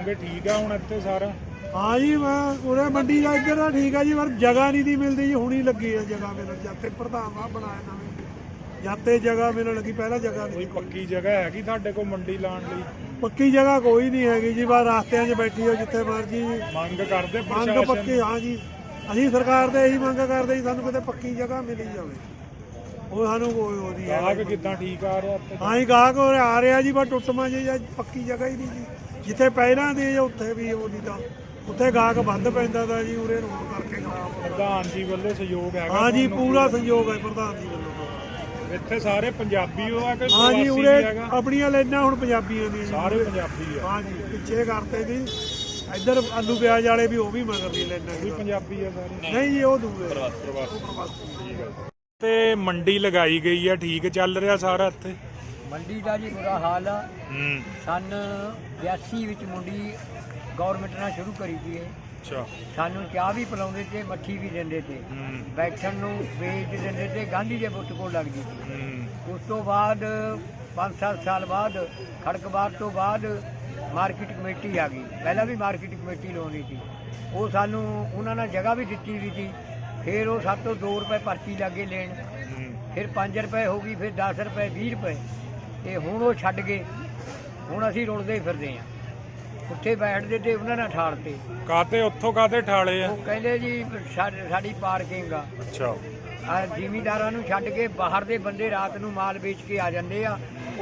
होगे ठीक है हुण इत्थे सारा? हाँ जी उरे मंडी का इधर ठीक है जी पर जगह नहीं थी मिलती जी हुणी लगी है जगह मिलन जाते प्रधान साहब बनाए नवे जाते जगह मिलन लगी पहला जगह कोई नहीं पक्की जगह हैगी तुहाडे कोल मंडी लाण लई? पक्की जगह कोई नहीं हैगी जी बस रास्ते 'ਚ बैठी हो जिथे मर्जी मंग करदे मंग प्रशासन? पक्की हाँ जी ਅਸੀਂ ਸਰਕਾਰ ਦੇ ਇਹੀ ਮੰਗ ਕਰਦੇ ਜੀ ਸਾਨੂੰ ਕਿਤੇ ਪੱਕੀ ਜਗ੍ਹਾ ਮਿਲੀ ਜਾਵੇ ਉਹ ਸਾਨੂੰ ਕੋਈ ਉਹਦੀ ਗਾਹਕ ਕਿੱਦਾਂ ਠੀਕ ਆ ਰਿਹਾ ਇੱਥੇ? ਹਾਂ ਜੀ ਗਾਹਕ ਆ ਰਿਹਾ ਜੀ ਪਰ ਟੁੱਟਵਾਂ ਜੀ ਜਾਂ ਪੱਕੀ ਜਗ੍ਹਾ ਹੀ ਨਹੀਂ ਜੀ ਜਿੱਥੇ ਪਹਿਲਾਂ ਦੀ ਉੱਥੇ ਵੀ ਉਹਦੀ ਤਾਂ ਉੱਥੇ ਗਾਹਕ ਬੰਦ ਪੈਂਦਾ ਤਾਂ ਜੀ ਉਰੇ ਰੋਡ ਕਰਕੇ ਖਰਾਬ ਪ੍ਰਧਾਨ ਜੀ ਵੱਲੋਂ ਸਹਿਯੋਗ ਹੈਗਾ? ਹਾਂ ਜੀ ਪੂਰਾ ਸਹਿਯੋਗ ਹੈ ਪ੍ਰਧਾਨ ਜੀ ਵੱਲੋਂ। ਇੱਥੇ ਸਾਰੇ ਪੰਜਾਬੀ ਹੋ ਆ ਕਿ ਹਾਂ ਜੀ ਪ੍ਰਵਾਸੀ ਉਰੇ ਵੀ ਹੈਗਾ? ਆਪਣੀਆਂ ਲੈਣਾ ਹੁਣ ਪੰਜਾਬੀਆਂ ਦੀਆਂ ਜੀ ਸਾਰੇ ਪੰਜਾਬੀ ਆ? ਹਾਂ ਜੀ ਪਿੱਛੇ ਕਰਤੇ ਜੀ ਇੱਧਰ ਆਲੂ ਪਿਆਜ਼ ਵਾਲੇ ਵੀ ਉਹ ਵੀ ਮਗਰ ਨਹੀਂ ਲੈਣਾ ਵੀ ਪੰਜਾਬੀ ਆ ਸਾਰੇ? ਨਹੀਂ ਜੀ ਉਹ ਦੂਏ ਪ੍ਰਵਾਸੀ। ਠੀਕ ਹੈ ਤੇ ਮੰਡੀ ਲਗਾਈ ਗਈ ਆ, ਠੀਕ ਚੱਲ ਰਿਹਾ ਸਾਰਾ ਇੱਥੇ? ਮੰਡੀ ਦਾ ਜੀ ਬੁਰਾ ਹਾਲ ਆ। ਹੂੰ ਸਨ 82 ਵਿੱਚ ਮੰਡੀ ਗਵਰਨਮੈਂਟ ਨਾਲ ਸ਼ੁਰੂ ਕਰੀ ਸੀ। ਅੱਛਾ। ਸਾਨੂੰ ਚਾਹ ਵੀ ਪਿਲਾਉਂਦੇ ਤੇ ਮੱਠੀ ਵੀ ਦਿੰਦੇ ਤੇ, ਹੂੰ ਬੈਠਣ ਨੂੰ ਵੇਚ ਦਿੰਦੇ ਤੇ, ਗਾਂਧੀ ਦੇ ਬੁੱਤ ਕੋਲ ਲੱਗਦੀ ਸੀ। ਹੂੰ ਉਸ ਤੋਂ ਬਾਅਦ 5-7 ਸਾਲ ਬਾਅਦ ਖੜਕਬਾਰ ਤੋਂ ਬਾਅਦ ਮਾਰਕੀਟ ਕਮੇਟੀ ਆ ਗਈ। ਪਹਿਲਾਂ ਵੀ ਮਾਰਕੀਟ ਕਮੇਟੀ ਲਾਉਂਦੀ ਸੀ, ਉਹ ਸਾਨੂੰ ਉਹਨਾਂ ਨਾਲ ਜਗ੍ਹਾ ਵੀ ਦਿੱਤੀ ਵੀ ਸੀ। ਫਿਰ ਉਹ ਸਾਡੇ ਤੋਂ 2 ਰੁਪਏ ਪਰਚੀ ਲੱਗੇ ਲੈਣ, ਫਿਰ 5 ਰੁਪਏ ਹੋ ਗਈ, ਫਿਰ 10 ਰੁਪਏ 20 ਰੁਪਏ ਤੇ ਹੁਣ ਉਹ ਛੱਡ ਗਏ। ਹੁਣ ਅਸੀਂ ਰੁਲਦੇ ਫਿਰਦੇ ਹਾਂ, ਉੱਥੇ ਬੈਠਦੇ ਤੇ ਉਹਨਾਂ ਨਾਲ ਠਾਲਤੇ। ਕਾਤੇ ਉੱਥੋਂ ਕਾਤੇ ਠਾਲੇ ਆ? ਉਹ ਕਹਿੰਦੇ ਜੀ ਸਾਡੀ ਪਾਰਕਿੰਗ ਆ। ਅੱਛਾ। ਜ਼ਿਮੀਂਦਾਰਾਂ ਨੂੰ ਛੱਡ ਕੇ ਬਾਹਰ ਦੇ ਬੰਦੇ ਰਾਤ ਨੂੰ ਮਾਲ ਵੇਚ ਕੇ ਆ ਜਾਂਦੇ ਆ।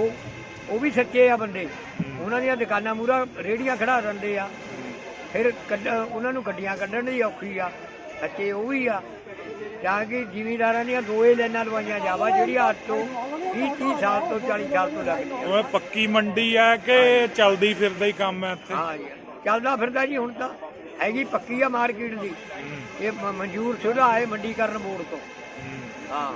ਉਹ ਵੀ ਸੱਚੇ ਆ ਬੰਦੇ, ਉਹਨਾਂ ਦੀਆਂ ਦੁਕਾਨਾਂ ਮੂਹਰਾ ਰੇਹੜੀਆਂ ਖੜਾ ਦਿੰਦੇ ਆ। ਫਿਰ ਉਹਨਾਂ ਨੂੰ ਗੱਡੀਆਂ ਕੱਢਣ ਦੀ ਔਖੀ ਆ, ਸੱਚੇ ਉਹ ਵੀ ਆ। ਜਾਂ ਕਿ ਜ਼ਿਮੀਂਦਾਰਾਂ ਦੀਆਂ 2 ਲਾਈਨਾਂ ਲਵਾਈਆਂ ਜਾਵਾ ਜਿਹੜੀਆਂ ਅੱਜ ਤੋਂ 20-30 ਸਾਲ ਤੋਂ 40 ਸਾਲ ਤੋਂ ਲੱਗਦੀਆਂ। ਉਹ ਪੱਕੀ ਮੰਡੀ ਆ ਕਿ ਚੱਲਦੀ ਫਿਰਦਾ ਹੀ ਕੰਮ ਹੈ ਇੱਥੇ? ਹਾਂ ਜੀ ਚੱਲਦਾ ਫਿਰਦਾ ਜੀ। ਹੁਣ ਤਾਂ ਹੈਗੀ ਪੱਕੀ ਆ ਮਾਰਕੀਟ ਦੀ, ਇਹ ਮਨਜ਼ੂਰ ਸ਼ੁਦਾ ਹੈ ਮੰਡੀਕਰਨ ਬੋਰਡ ਤੋਂ। ਹਾਂ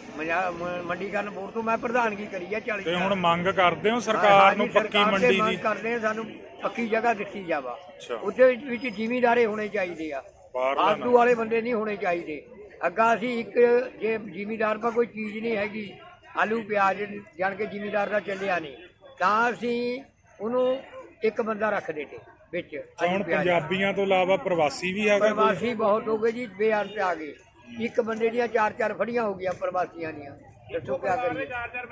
ਮੰਡੀਕਰਨ ਬੋਰਡ ਤੋਂ ਮੈਂ ਪ੍ਰਧਾਨਗੀ ਕਰੀ ਆ 40 ਤੇ ਹੁਣ ਮੰਗ ਕਰਦੇ ਹੋ ਸਰਕਾਰ ਨੂੰ ਪੱਕੀ ਮੰਡੀ ਦੀ? ਕਰਦੇ ਆ, ਸਾਨੂੰ ਪੱਕੀ ਜਗ੍ਹਾ ਦਿੱਤੀ ਜਾਵਾ। ਅੱਛਾ। ਉਹਦੇ ਵਿੱਚ ਜ਼ਿਮੀਂਦਾਰੇ ਹੋਣੇ ਚਾਹੀਦੇ ਆ, ਫਾਲਤੂ ਵਾਲੇ ਬੰਦੇ ਨਹੀਂ ਹੋਣੇ ਚਾਹੀਦੇ। ਅੱਗਾ ਅਸੀਂ ਇੱਕ ਜੇ ਜ਼ਿਮੀਂਦਾਰ ਪਾ ਕੋਈ ਚੀਜ਼ ਨਹੀਂ ਹੈਗੀ, ਆਲੂ ਪਿਆਜ਼ ਜਾਣ ਕੇ ਜ਼ਿਮੀਂਦਾਰ ਦਾ ਚੱਲਿਆ ਨਹੀਂ, ਤਾਂ ਅਸੀਂ ਉਹਨੂੰ ਇੱਕ ਬੰਦਾ ਰੱਖਦੇ ਤੇ ਵਿੱਚ। ਹੁਣ ਪੰਜਾਬੀਆਂ ਤੋਂ ਇਲਾਵਾ ਪ੍ਰਵਾਸੀ ਵੀ ਹੈਗਾ? ਪ੍ਰਵਾਸੀ ਬਹੁਤ ਹੋ ਗਏ ਜੀ, ਬੇਅੰਤ ਤੇ ਆ ਗਏ। ਇੱਕ ਬੰਦੇ ਦੀਆਂ 4-4 ਫੜੀਆਂ ਹੋ ਗਈਆਂ ਪ੍ਰਵਾਸੀਆਂ ਦੀਆਂ। ਦੱਸੋ ਕਿਆ ਕਰੀਏ?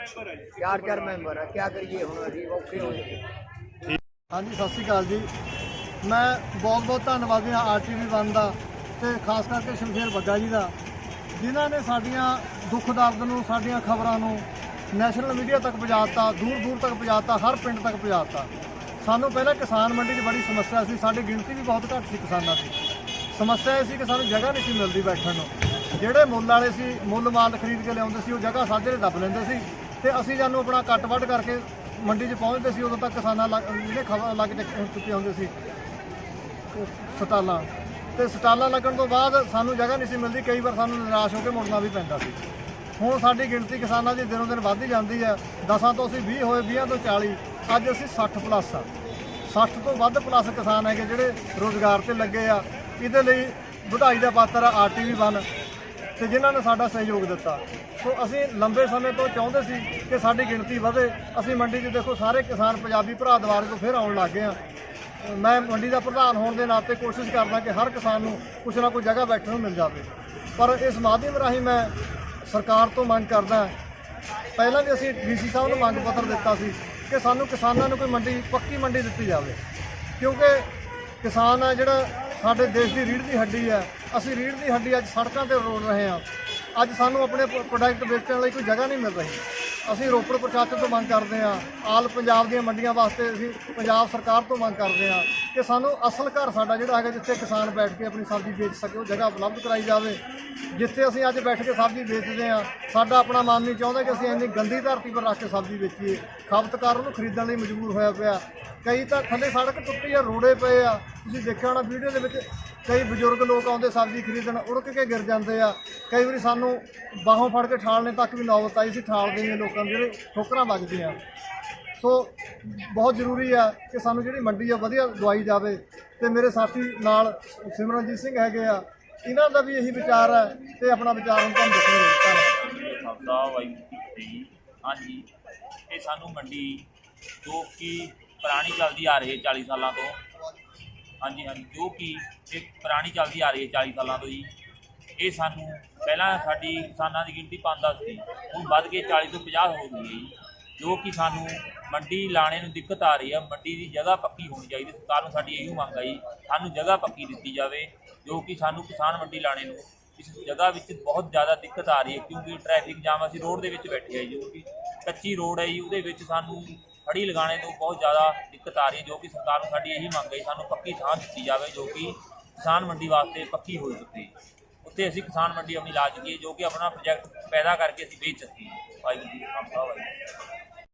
4-4 ਮੈਂਬਰ ਆ, ਕਿਆ ਕਰੀਏ ਹੁਣ? ਅਸੀਂ ਔਖੇ ਹੋ ਗਏ। ਹਾਂਜੀ ਸਤਿ ਸ਼੍ਰੀ ਅਕਾਲ ਜੀ। ਮੈਂ ਬਹੁਤ ਬਹੁਤ ਧੰਨਵਾਦੀ ਹਾਂ RTV1 ਦਾ ਤੇ ਖਾਸ ਕਰਕੇ ਸ਼ਮਸ਼ੇਰ ਬੱਗਾ ਜੀ ਦਾ, ਜਿਨ੍ਹਾਂ ਨੇ ਸਾਡੀਆਂ ਦੁੱਖ ਦਰਦ ਨੂੰ, ਸਾਡੀਆਂ ਖਬਰਾਂ ਨੂੰ ਨੈਸ਼ਨਲ ਮੀਡੀਆ ਤੱਕ ਪਹੁੰਚਾਤਾ, ਦੂਰ ਦੂਰ ਤੱਕ ਪਹੁੰਚਾਤਾ, ਹਰ ਪਿੰਡ ਤੱਕ ਪਹੁੰਚਾਤਾ। ਸਾਨੂੰ ਪਹਿਲਾਂ ਕਿਸਾਨ ਮੰਡੀ 'ਚ ਬੜੀ ਸਮੱਸਿਆ ਸੀ, ਸਾਡੀ ਗਿਣਤੀ ਵੀ ਬਹੁਤ ਘੱਟ ਸੀ ਕਿਸਾਨਾਂ ਦੀ। ਸਮੱਸਿਆ ਇਹ ਸੀ ਕਿ ਸਾਨੂੰ ਜਗ੍ਹਾ ਨਹੀਂ ਸੀ ਮਿਲਦੀ ਬੈਠਣ ਨੂੰ। ਜਿਹੜੇ ਮੁੱਲ ਵਾਲੇ ਸੀ, ਮੁੱਲ ਮਾਲ ਖਰੀਦ ਕੇ ਲਿਆਉਂਦੇ ਸੀ, ਉਹ ਜਗ੍ਹਾ ਸਾਜਰੇ ਦੱਬ ਲੈਂਦੇ ਸੀ ਤੇ ਅਸੀਂ ਜਾਨੂੰ ਆਪਣਾ ਕੱਟ ਵੱਢ ਕਰਕੇ ਮੰਡੀ 'ਚ ਪਹੁੰਚਦੇ ਸੀ। ਉਦੋਂ ਤੱਕ ਕਿਸਾਨਾਂ ਜਿਹੜੇ ਖਬਰ ਲੱਗ ਚੁੱਕੇ ਹੁੰਦੇ ਸੀ ਸਟਾਲਾਂ, ਤੇ ਸਟਾਲਾਂ ਲੱਗਣ ਤੋਂ ਬਾਅਦ ਸਾਨੂੰ ਜਗ੍ਹਾ ਨਹੀਂ ਸੀ ਮਿਲਦੀ। ਕਈ ਵਾਰ ਸਾਨੂੰ ਨਿਰਾਸ਼ ਹੋ ਕੇ ਮੁੜਨਾ ਵੀ ਪੈਂਦਾ ਸੀ। ਹੁਣ ਸਾਡੀ ਗਿਣਤੀ ਕਿਸਾਨਾਂ ਦੀ ਦਿਨੋਂ ਦਿਨ ਵੱਧਦੀ ਜਾਂਦੀ ਹੈ। 10 ਤੋਂ ਅਸੀਂ 20 ਹੋਏ, 20 ਤੋਂ 40, ਅੱਜ ਅਸੀਂ 60 ਪਲੱਸ ਆ। 60 ਤੋਂ ਵੱਧ ਪਲੱਸ ਕਿਸਾਨ ਹੈਗੇ ਜਿਹੜੇ ਰੁਜ਼ਗਾਰ ਤੇ ਲੱਗੇ ਆ। ਇਹਦੇ ਲਈ ਵਧਾਈ ਦਾ ਪਾਤਰ ਆ RTV1 ਤੇ ਜਿਨ੍ਹਾਂ ਨੇ ਸਾਡਾ ਸਹਿਯੋਗ ਦਿੱਤਾ। ਸੋ ਅਸੀਂ ਲੰਬੇ ਸਮੇਂ ਤੋਂ ਚਾਹੁੰਦੇ ਸੀ ਕਿ ਸਾਡੀ ਗਿਣਤੀ ਵਧੇ। ਅਸੀਂ ਮੰਡੀ 'ਚ ਦੇਖੋ ਸਾਰੇ ਕਿਸਾਨ ਪੰਜਾਬੀ ਭਰਾ ਦੁਆਰੇ ਤੋਂ ਫਿਰ ਆਉਣ ਲੱਗ ਗਏ ਆ। ਮੈਂ ਮੰਡੀ ਦਾ ਪ੍ਰਧਾਨ ਹੋਣ ਦੇ ਨਾਤੇ ਕੋਸ਼ਿਸ਼ ਕਰਦਾ ਕਿ ਹਰ ਕਿਸਾਨ ਨੂੰ ਕੁਛ ਨਾ ਕੋਈ ਜਗ੍ਹਾ ਬੈਠਣ ਨੂੰ ਮਿਲ ਜਾਵੇ। ਪਰ ਇਸ ਮਾਧਿਅਮ ਰਾਹੀਂ ਮੈਂ ਸਰਕਾਰ ਤੋਂ ਮੰਗ ਕਰਦਾ, ਪਹਿਲਾਂ ਵੀ ਅਸੀਂ DC ਸਾਹਿਬ ਨੂੰ ਮੰਗ ਪੱਤਰ ਦਿੱਤਾ ਸੀ ਕਿ ਸਾਨੂੰ ਕਿਸਾਨਾਂ ਨੂੰ ਕੋਈ ਮੰਡੀ, ਪੱਕੀ ਮੰਡੀ ਦਿੱਤੀ ਜਾਵੇ। ਕਿਉਂਕਿ ਕਿਸਾਨ ਹੈ ਜਿਹੜਾ ਸਾਡੇ ਦੇਸ਼ ਦੀ ਰੀੜ੍ਹ ਦੀ ਹੱਡੀ ਹੈ। ਅਸੀਂ ਰੀੜ੍ਹ ਦੀ ਹੱਡੀ ਅੱਜ ਸੜਕਾਂ 'ਤੇ ਰੋਲ ਰਹੇ ਹਾਂ। ਅੱਜ ਸਾਨੂੰ ਆਪਣੇ ਪ੍ਰੋਡਕਟ ਵੇਚਣ ਲਈ ਕੋਈ ਜਗ੍ਹਾ ਨਹੀਂ ਮਿਲ ਰਹੀ। ਅਸੀਂ ਰੋਪੜ ਪ੍ਰਸ਼ਾਸਨ ਤੋਂ ਮੰਗ ਕਰਦੇ ਹਾਂ, ਆਲ ਪੰਜਾਬ ਦੀਆਂ ਮੰਡੀਆਂ ਵਾਸਤੇ ਅਸੀਂ ਪੰਜਾਬ ਸਰਕਾਰ ਤੋਂ ਮੰਗ ਕਰਦੇ ਹਾਂ ਕਿ ਸਾਨੂੰ ਅਸਲ ਘਰ ਸਾਡਾ ਜਿਹੜਾ ਹੈਗਾ, ਜਿੱਥੇ ਕਿਸਾਨ ਬੈਠ ਕੇ ਆਪਣੀ ਸਬਜ਼ੀ ਵੇਚ ਸਕੇ, ਉਹ ਜਗ੍ਹਾ ਉਪਲਬਧ ਕਰਾਈ ਜਾਵੇ। ਜਿੱਥੇ ਅਸੀਂ ਅੱਜ ਬੈਠ ਕੇ ਸਬਜ਼ੀ ਵੇਚਦੇ ਹਾਂ, ਸਾਡਾ ਆਪਣਾ ਮਨ ਨਹੀਂ ਚਾਹੁੰਦਾ ਕਿ ਅਸੀਂ ਇੰਨੀ ਗੰਦੀ ਧਰਤੀ ਪਰ ਰੱਖ ਕੇ ਸਬਜ਼ੀ ਵੇਚੀਏ। ਖਪਤਕਾਰ ਉਹਨੂੰ ਖਰੀਦਣ ਲਈ ਮਜਬੂਰ ਹੋਇਆ ਪਿਆ। ਕਈ ਤਾਂ ਥੱਲੇ ਸੜਕ ਟੁੱਟੀ ਆ, ਰੋੜੇ ਪਏ ਆ। ਤੁਸੀਂ ਦੇਖਿਆ ਹੋਣਾ ਵੀਡੀਓ ਦੇ ਵਿੱਚ, ਕਈ ਬਜ਼ੁਰਗ ਲੋਕ ਆਉਂਦੇ ਸਬਜ਼ੀ ਖਰੀਦਣ, ਉੜਕ ਕੇ ਗਿਰ ਜਾਂਦੇ ਆ। ਕਈ ਵਾਰੀ ਸਾਨੂੰ ਬਾਹੋਂ ਫੜ ਕੇ ਠਾਲਣੇ ਤੱਕ ਵੀ ਨੌਬਤ ਆਈ ਸੀ। ਠਾਲਦੇ ਨੇ ਲੋਕਾਂ ਨੂੰ, ਜਿਹੜੇ ਠੋਕਰਾਂ ਵੱਜਦੀਆਂ। ਸੋ ਬਹੁਤ ਜ਼ਰੂਰੀ ਆ ਕਿ ਸਾਨੂੰ ਜਿਹੜੀ ਮੰਡੀ ਆ ਵਧੀਆ ਦਵਾਈ ਜਾਵੇ। ਤੇ ਮੇਰੇ ਸਾਥੀ ਨਾਲ ਸਿਮਰਨਜੀਤ ਸਿੰਘ ਹੈਗੇ ਆ, ਇਹਨਾਂ ਦਾ ਵੀ ਇਹੀ ਵਿਚਾਰ ਹੈ ਤੇ ਆਪਣਾ ਵਿਚਾਰ ਹੁਣ ਤੁਹਾਨੂੰ ਦੱਸਣਗੇ। ਹਾਂਜੀ, ਇਹ ਸਾਨੂੰ ਮੰਡੀ ਜੋ ਕਿ ਪੁਰਾਣੀ ਚੱਲਦੀ ਆ ਰਹੀ 40 ਸਾਲਾਂ ਤੋਂ, ਹਾਂਜੀ ਹਾਂਜੀ, ਜੋ ਕਿ ਇਹ ਪੁਰਾਣੀ ਚੱਲਦੀ ਆ ਰਹੀ ਹੈ 40 ਸਾਲਾਂ ਤੋਂ ਜੀ। ਇਹ ਸਾਨੂੰ ਪਹਿਲਾਂ ਸਾਡੀ ਕਿਸਾਨਾਂ ਦੀ ਗਿਣਤੀ 5-10 ਸੀ, ਹੁਣ ਵੱਧ ਕੇ 40 ਤੋਂ 50 ਹੋ ਗਈ ਹੈ ਜੀ। ਜੋ ਕਿ ਸਾਨੂੰ ਮੰਡੀ ਲਾਣੇ ਨੂੰ ਦਿੱਕਤ ਆ ਰਹੀ ਹੈ। ਮੰਡੀ ਦੀ ਜਗ੍ਹਾ ਪੱਕੀ ਹੋਣੀ ਚਾਹੀਦੀ। ਸਰਕਾਰ ਨੂੰ ਸਾਡੀ ਇਹੀ ਮੰਗ ਹੈ ਜੀ, ਸਾਨੂੰ ਜਗ੍ਹਾ ਪੱਕੀ ਦਿੱਤੀ ਜਾਵੇ, ਜੋ ਕਿ ਸਾਨੂੰ ਕਿਸਾਨ ਮੰਡੀ ਲਾਣੇ ਨੂੰ ਇਸ ਜਗ੍ਹਾ ਵਿੱਚ ਬਹੁਤ ਜ਼ਿਆਦਾ ਦਿੱਕਤ ਆ ਰਹੀ ਹੈ। ਕਿਉਂਕਿ ਟ੍ਰੈਫਿਕ ਜਾਮ, ਅਸੀਂ ਰੋਡ ਦੇ ਵਿੱਚ ਬੈਠੇ ਹਾਂ ਜੋ ਕਿ ਕੱਚੀ ਰੋਡ ਹੈ ਜੀ, ਉਹਦੇ ਵਿੱਚ ਸਾਨੂੰ ਫੜੀ ਲਗਾਉਣੇ ਤੋਂ ਬਹੁਤ ਜ਼ਿਆਦਾ ਦਿੱਕਤ ਆ ਰਹੀ ਹੈ। ਜੋ ਕਿ ਸਰਕਾਰ ਨੂੰ ਸਾਡੀ ਇਹੀ ਮੰਗ ਹੈ, ਸਾਨੂੰ ਪੱਕੀ ਥਾਂ ਦਿੱਤੀ ਜਾਵੇ ਜੋ ਕਿ ਕਿਸਾਨ ਮੰਡੀ ਵਾਸਤੇ ਪੱਕੀ ਹੋ ਚੁੱਕੀ। ਉੱਥੇ ਅਸੀਂ ਕਿਸਾਨ ਮੰਡੀ ਆਪਣੀ ਲਾ ਚੁੱਕੀ, ਜੋ ਕਿ ਆਪਣਾ ਪ੍ਰੋਜੈਕਟ ਪੈਦਾ ਕਰਕੇ ਅਸੀਂ ਵੇਚ ਸਕੀਏ। ਵਾਹਿਗੁਰੂ ਜੀ ਕਾ ਖਾਲਸਾ, ਵਾਹਿਗੁਰੂ ਜੀ ਕੀ ਫਤਿਹ।